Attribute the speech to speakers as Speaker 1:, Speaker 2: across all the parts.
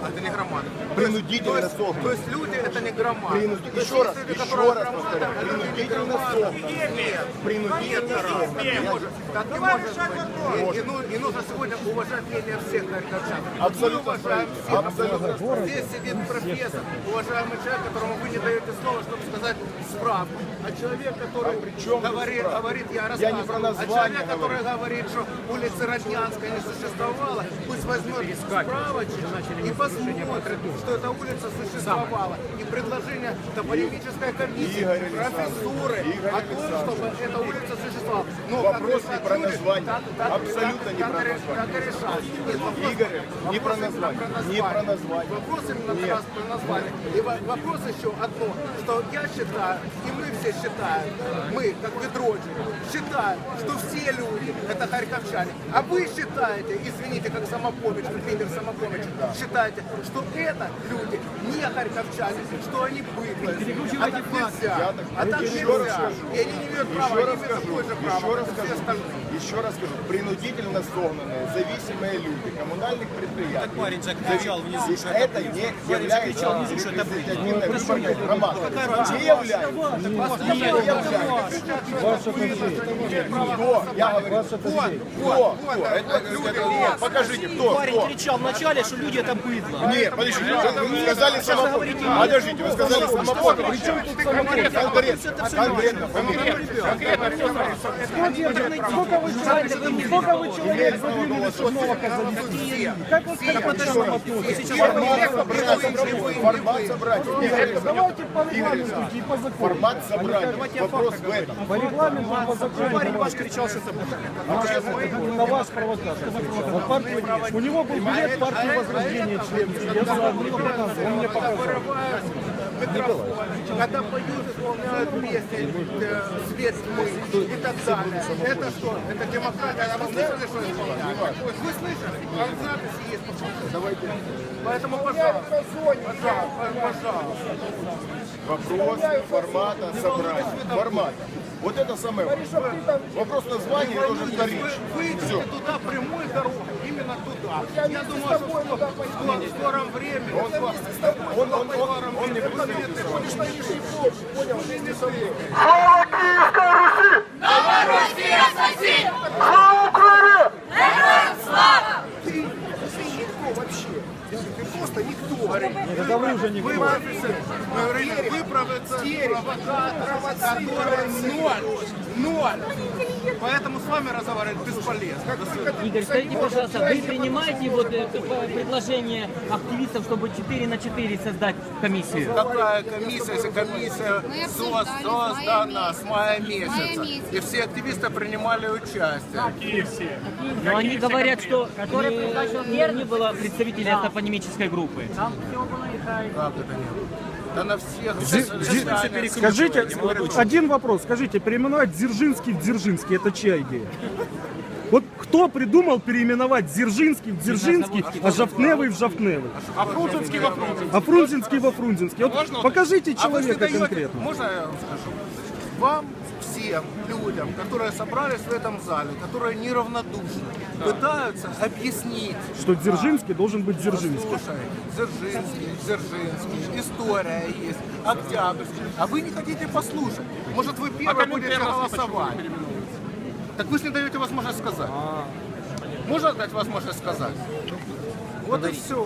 Speaker 1: Это не громада.
Speaker 2: Принудительно согнаны.
Speaker 1: То есть люди это не громада.
Speaker 2: Еще раз повторяю, принудительно согнаны.
Speaker 1: Нет.
Speaker 2: Принудительно согнаны.
Speaker 1: Так не может быть. И нужно сегодня уважать мнение всех харьковчан.
Speaker 2: Абсолютно
Speaker 1: Мы уважаем всех.
Speaker 2: абсолютно.
Speaker 1: Здесь сидит профессор, уважаемый человек, которому вы не даете слова, чтобы сказать справку. А человек, который говорит, я
Speaker 2: не про
Speaker 1: рассказываю. А человек, который говорит, что улица Роднянская не существовала, пусть возьмет справочек и посмотрит, что эта улица существовала. И предложение топонимической комиссии, профессуры о том, чтобы эта улица существовала. Но
Speaker 2: Вопрос не про название. Абсолютно не про название.
Speaker 1: Так и решать.
Speaker 2: Игорь, не про название. Не про название.
Speaker 1: Вопрос именно про название. И вопрос еще одно, что я считаю, и мы все считаем, мы, как ведроджи, считаем, что все люди это харьковчане. А вы считаете, извините, как Самопомич, как лидер Самопомич, считаете, что это люди не харьковчане, что они быдлые. А так нельзя. А так нельзя. И они не имеют права, они имеют такое же право, как все остальные.
Speaker 2: Еще раз скажу, принудительно согнанные, зависимые люди, коммунальных предприятий.
Speaker 3: Так парень закричал внизу, что
Speaker 2: Это не является репрезентативной выборной громадой. Не является. Не является. Кто? Я говорю, кто? Это люди. Покажите, кто?
Speaker 3: парень кричал вначале, что люди это быдло.
Speaker 2: Нет, подождите, вы сказали самопомощь. Подождите, вы сказали самопомощь. Конкретно, фамилия.
Speaker 4: Сколько вы человек задвинули Шумного Казани? Как вы
Speaker 2: Формат собрать.
Speaker 4: Давайте по регламенту и по закону.
Speaker 2: Формат собрать. Вопрос в этом.
Speaker 4: По регламенту и по закону.
Speaker 3: Парень ваш кричал, что это быдло.
Speaker 4: На вас провокатор. У него был билет партии Возрождения членский. Я знаю, он мне показал.
Speaker 1: Когда поют, исполняют песни, свет тьмы и так далее. Это что? Это демократия. А вы слышали, что исполняют? Вы слышали? А в записи есть. Давайте. Поэтому, пожалуйста. Пожалуйста.
Speaker 2: Вопрос формата собрать. Формата. Вот это самое важное. Вопрос названия тоже вторичный.
Speaker 1: Вы идете туда прямой дорогой, именно туда. Я думаю, что в скором времени,
Speaker 2: Он не будет интересоваться.
Speaker 5: Новороссия соси! Слава Украине! Героям слава!
Speaker 1: ты никто вообще. Ты просто никто.
Speaker 4: Я говорю уже никто.
Speaker 1: Вы провокатор, который ноль. Поэтому с вами разговаривать бесполезно.
Speaker 6: Игорь, скажите, пожалуйста, вы принимаете вот это предложение активистов, чтобы 4 на 4 создать комиссию?
Speaker 1: Какая комиссия, если комиссия создана с мая месяца, и все активисты принимали участие.
Speaker 6: Но они говорят, что не было представителей топонимической группы.
Speaker 1: Как это нет? Да на всех.
Speaker 4: Скажите, один вопрос. Скажите, переименовать Дзержинский в Дзержинский, это чья идея? Вот кто придумал переименовать Дзержинский в Дзержинский, а Жовтневый в Жовтневый?
Speaker 3: А Фрунзенский во Фрунзенский.
Speaker 4: А Фрунзенский во Фрунзенский. Вот покажите человека конкретно.
Speaker 1: Можно я вам скажу? Вам всем людям, которые собрались в этом зале, которые неравнодушны, пытаются объяснить,
Speaker 4: Что Дзержинский должен быть Дзержинский.
Speaker 1: слушай, Дзержинский, история есть, Октябрьский, а вы не хотите послушать. Может, вы первые будете голосовать. Так вы же не даете возможность сказать. Можно дать возможность сказать? Вот и все.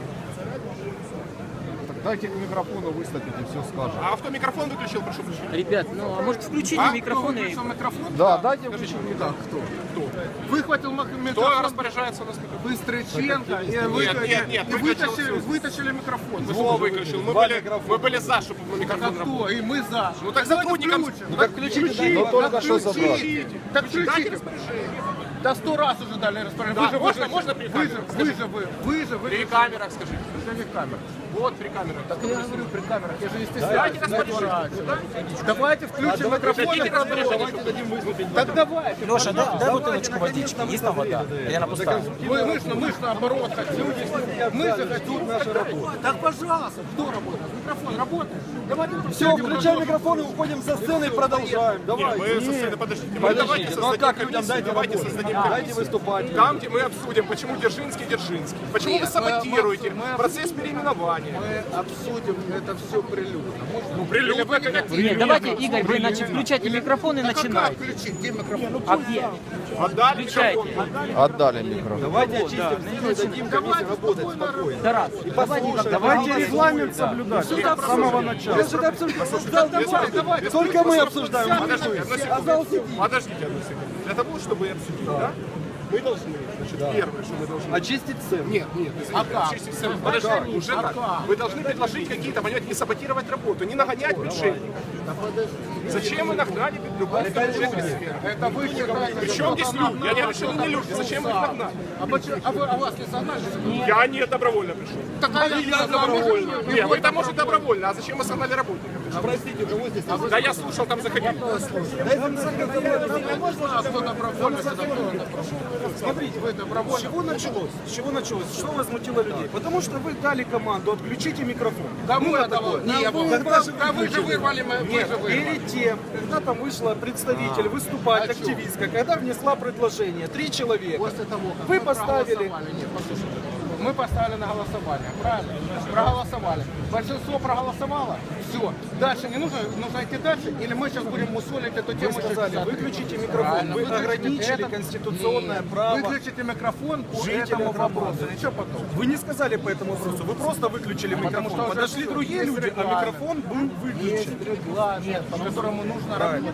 Speaker 2: Дайте к микрофону выступить и все скажем.
Speaker 3: А кто микрофон выключил, прошу прощения?
Speaker 6: Ребят, ну а может включите микрофоны?
Speaker 1: Микрофон?
Speaker 2: Да, дайте
Speaker 1: Да, кто? Выхватил
Speaker 3: Кто
Speaker 1: микрофон
Speaker 3: распоряжается у нас микрофон?
Speaker 1: Быстрыченко и вытащили микрофон.
Speaker 3: Кто выключил? Мы были за, чтобы мы
Speaker 1: А
Speaker 3: микрофон работал.
Speaker 1: кто? И мы за.
Speaker 3: Ну так сотрудникам...
Speaker 1: Ну так включите.
Speaker 2: Ну только что забрали.
Speaker 1: Так включите. Да 100 раз уже дали распоряжение.
Speaker 3: Да, можно при камерах?
Speaker 1: Вы же.
Speaker 3: При камерах скажите.
Speaker 1: При камерах.
Speaker 3: Вот при камерах.
Speaker 1: Так я говорю при камерах, я же не
Speaker 3: Давайте
Speaker 1: стесняюсь.
Speaker 3: распоряжение.
Speaker 1: Давайте включим микрофон и продолжим. Так давайте.
Speaker 7: Леша, дай бутылочку водички. Есть там вода? Или она пустая?
Speaker 1: Мы ж наоборот хотим. Мы же хотим нашу работу. Так пожалуйста, кто работает? Микрофон работает? Давайте
Speaker 8: Все, включаем микрофон и уходим со сцены и продолжаем.
Speaker 3: Нет,
Speaker 8: Давай.
Speaker 3: мы со сцены, подождите. Мы давайте
Speaker 8: Ну а
Speaker 3: создадим
Speaker 8: как людям?
Speaker 3: комиссию,
Speaker 8: Дайте
Speaker 3: давайте
Speaker 8: работать.
Speaker 3: создадим
Speaker 8: Дайте
Speaker 3: комиссию.
Speaker 8: выступать.
Speaker 3: Там, где мы обсудим, почему Дзержинский. Почему вы
Speaker 1: Нет,
Speaker 3: саботируете
Speaker 1: мы
Speaker 3: процесс переименования.
Speaker 1: Мы обсудим это все прилюдно.
Speaker 3: Ну, прилюдно, как
Speaker 6: Нет, давайте, Игорь, вы значит, включайте микрофон и
Speaker 1: Как
Speaker 6: начинайте.
Speaker 1: включить? Где микрофон?
Speaker 6: А где?
Speaker 3: отдали
Speaker 6: Включайте.
Speaker 3: микрофон.
Speaker 2: Отдали микрофон.
Speaker 8: Давайте очистим сцену и дадим комиссии работать спокойно.
Speaker 6: Тарас, давайте как-то
Speaker 4: Давайте регламент соблюдать с самого начала.
Speaker 8: Я же это обсуждал. Давай. Только мы обсуждаем.
Speaker 3: Подождите, одну секунду.
Speaker 8: А зал сидит.
Speaker 3: Подождите одну секунду. Для того, чтобы обсудить, да? Мы должны, значит, первое, что мы должны...
Speaker 8: Очистить сцену.
Speaker 3: Нет, очистить сцену. Подождите, уже так. Вы должны предложить какие-то, понимаете, не саботировать работу, не нагонять предшественников. Зачем вы нагнали любого предшественника?
Speaker 1: Это вы считаете.
Speaker 3: При чем здесь люди? Я не говорю, что не люди. Зачем вы их нагнали?
Speaker 1: А вас не согнали?
Speaker 3: Я не добровольно пришел.
Speaker 1: Так я добровольно.
Speaker 3: Нет, вы там, может, добровольно, а зачем вы согнали работников?
Speaker 8: Простите, у кого здесь?
Speaker 3: Да я слушал, там заходили.
Speaker 1: Кто добровольно, кто добровольно.
Speaker 4: Смотрите, с чего началось? С чего началось? Что возмутило людей? Потому что вы дали команду, отключите микрофон.
Speaker 1: Кому это было? Не было. Да вы же вырвали, вы же вырвали.
Speaker 4: Перед тем, когда там вышла представитель выступать, активистка, когда внесла предложение, 3 человека,
Speaker 1: После того, как
Speaker 4: вы
Speaker 1: мы
Speaker 4: поставили...
Speaker 1: проголосовали. Нет, послушайте. Мы поставили на голосование, правильно? Проголосовали. Большинство проголосовало. Все. Дальше не нужно идти дальше, или мы сейчас будем мусолить эту тему.
Speaker 4: Вы сказали, выключите микрофон,
Speaker 1: Правильно,
Speaker 4: вы
Speaker 1: выключите
Speaker 4: ограничили
Speaker 1: это.
Speaker 4: конституционное
Speaker 1: Нет.
Speaker 4: право.
Speaker 1: Выключите микрофон по
Speaker 4: жителя
Speaker 1: этому
Speaker 4: города.
Speaker 1: вопросу. Ничего потом.
Speaker 4: Вы не сказали по этому вопросу, вы просто выключили микрофон.
Speaker 1: что уже
Speaker 4: Подошли
Speaker 1: всё,
Speaker 4: другие
Speaker 1: есть
Speaker 4: люди, а
Speaker 1: регламент.
Speaker 4: микрофон был выключен.
Speaker 1: Есть регламент, по которому нужно работать.